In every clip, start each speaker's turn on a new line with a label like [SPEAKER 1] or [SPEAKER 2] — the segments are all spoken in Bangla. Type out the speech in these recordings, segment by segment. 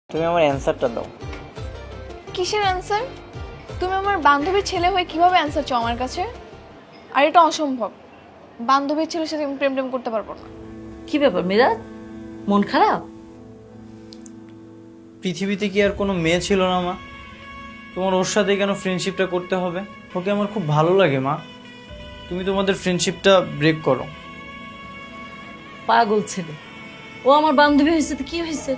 [SPEAKER 1] তুমি আমার অ্যানসারটা দাও।
[SPEAKER 2] কিসের অ্যান্সার? তুমি আমার বান্ধবীর ছেলে হয়ে কিভাবে অ্যান্সার চাও আমার কাছে? আর এটা অসম্ভব। বান্ধবীর ছেলের সাথে আমি প্রেম করতে পারবো না।
[SPEAKER 3] কি ব্যাপার মিরাজ, মন খারাপ?
[SPEAKER 1] পৃথিবীতে কি আর কোনো মেয়ে ছিল না মা? তোমার ওর সাথে কেন ফ্রেন্ডশিপটা করতে হবে? ওকে আমার খুব ভালো লাগে মা। তুমি তোমাদের ফ্রেন্ডশিপটা ব্রেক করো।
[SPEAKER 3] পাগল ছেলে, ও আমার বান্ধবী হয়েছে তো কি হয়েছে?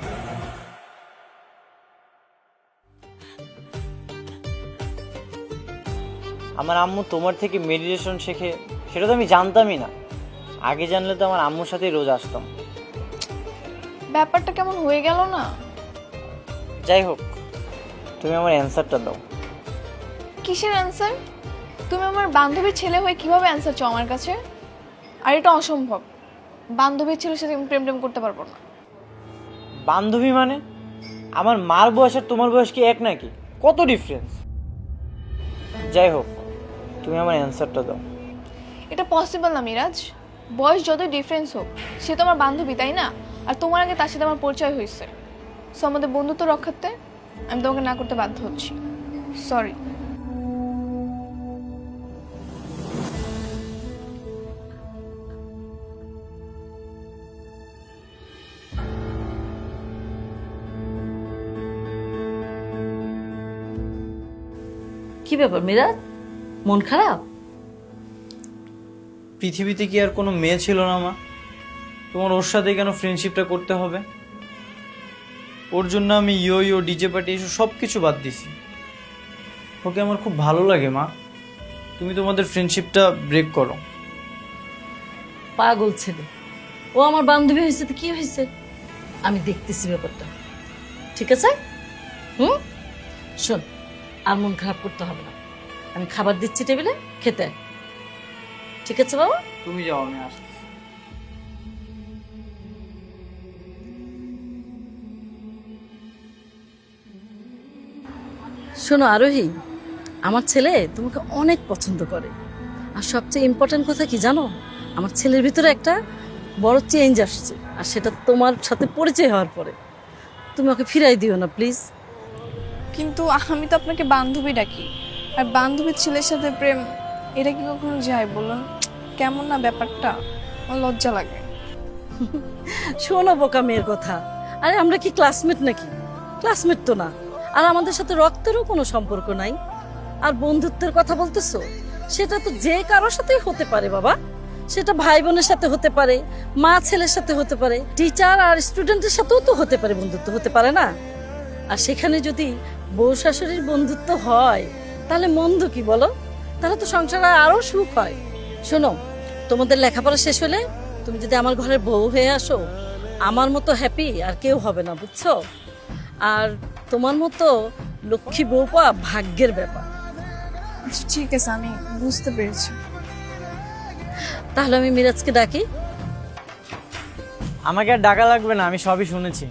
[SPEAKER 1] আমার আম্মু তোমার থেকে মেডিটেশন শেখে, সেটা তো আমি জানতামই না। আগে জানলে তো আমার আম্মুর সাথেই রোজ আসতাম।
[SPEAKER 2] ব্যাপারটা কেমন হয়ে গেল না?
[SPEAKER 1] যাই হোক, তুমি আমার অ্যানসারটা দাও।
[SPEAKER 2] কিসের অ্যান্সার? তুমি আমার বান্ধবীর ছেলে হয়ে কিভাবে অ্যান্সার চাও আমার কাছে? আর এটা অসম্ভব। বান্ধবীর ছেলের সাথে আমি প্রেম করতে পারবো না।
[SPEAKER 1] বান্ধবী মানে? আমার মার বয়স আর তোমার বয়স কি এক নাকি? কত ডিফারেন্স! যাই হোক, তুমি আমার অ্যানসারটা দাও।
[SPEAKER 2] এটা পসিবল না মিরাজ। বয়স যতই ডিফারেন্স হোক, সে তো আমার বান্ধবী, তাই না? আর তোমার আগে তার সাথে আমার পরিচয় হয়েছে। সো আমাদের বন্ধুত্ব রক্ষার্থে আমি তোমাকে না করতে বাধ্য হচ্ছি। সরি।
[SPEAKER 3] কি ব্যাপার মিরাজ, মন খারাপ?
[SPEAKER 1] পৃথিবীতে কি আর কোনো মেয়ে ছিল না মা? তোমার ওর সাথে কেন ফ্রেন্ডশিপটা করতে হবে? ওর জন্য আমি ইয়ো ডিজে পার্টি এসব সব কিছু বাদ দিছি। ওকে আমার খুব ভালো লাগে মা। তুমি তোমাদের ফ্রেন্ডশিপটা ব্রেক করো।
[SPEAKER 3] পাগল ছেলে, ও আমার বান্ধবী হয়েছে তো কি হয়েছে? আমি দেখতেছি ব্যাপারটা, ঠিক আছে? শোন, আর মন খারাপ করতে হবে না। আমি খাবার দিচ্ছি টেবিলে, খেতে আয়। ঠিক আছে বাবা?
[SPEAKER 1] তুমি যাও, আমি আসতেছি।
[SPEAKER 3] শোনো আরোহী, আমার ছেলে তোমাকে অনেক পছন্দ করে। আর সবচেয়ে ইম্পর্টেন্ট কথা কি জানো? আমার ছেলের ভিতরে একটা বড় চেঞ্জ আসছে, আর সেটা তোমার সাথে পরিচয় হওয়ার পরে। তুমি ওকে ফিরাই দিও না প্লিজ।
[SPEAKER 2] কিন্তু আমি তো আপনাকে বান্ধবী ডাকি, আর বান্ধবীর ছেলের সাথে প্রেম, এটা কি কখনো যায় বলুন? কেমন না ব্যাপারটা? আমার লজ্জা লাগে।
[SPEAKER 3] শোনো বোকা মেয়ের কথা, আরে আমরা কি ক্লাসমেট নাকি? ক্লাসমেট তো না। আর আমাদের সাথে রক্তেরও কোনো সম্পর্ক নাই। আর বন্ধুত্বের কথা বলতেছো, সেটা তো যে কারোর সাথেই হতে পারে বাবা। সেটা ভাই বোনের সাথে হতে পারে, মা ছেলের সাথে হতে পারে, টিচার আর স্টুডেন্টের সাথেও তো হতে পারে, বন্ধুত্ব হতে পারে না? আর সেখানে যদি বউ শাশুড়ির বন্ধুত্ব হয়, তাহলে মন্দ কি বলো? তাহলে তো সংসারে আরো সুখ হয়। শোনো, তোমাদের লেখাপড়া শেষ হলে তুমি যদি আমার ঘরের বউ হয়ে আসো, আমার মতো হ্যাপি আর কেউ হবে না, বুঝছো? আর তোমার মতো লক্ষ্মী বউ পাওয়া ভাগ্যের ব্যাপার।
[SPEAKER 2] আচ্ছা ঠিক আছে, আমি বুঝতে পেরেছি।
[SPEAKER 3] তাহলে আমি মিরাজকে ডাকি।
[SPEAKER 1] আমাকে আর ডাকা লাগবে না, আমি সবই শুনেছি।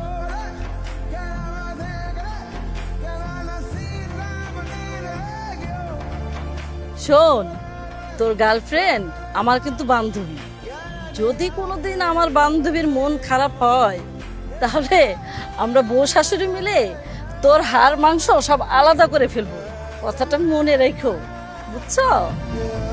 [SPEAKER 3] শোন, তোর গার্লফ্রেন্ড আমার কিন্তু বান্ধবী। যদি কোনোদিন আমার বান্ধবীর মন খারাপ হয়, তাহলে আমরা বউ শাশুড়ি মিলে তোর হাড় মাংস সব আলাদা করে ফেলবো। কথাটা মনে রেখো, বুঝছো?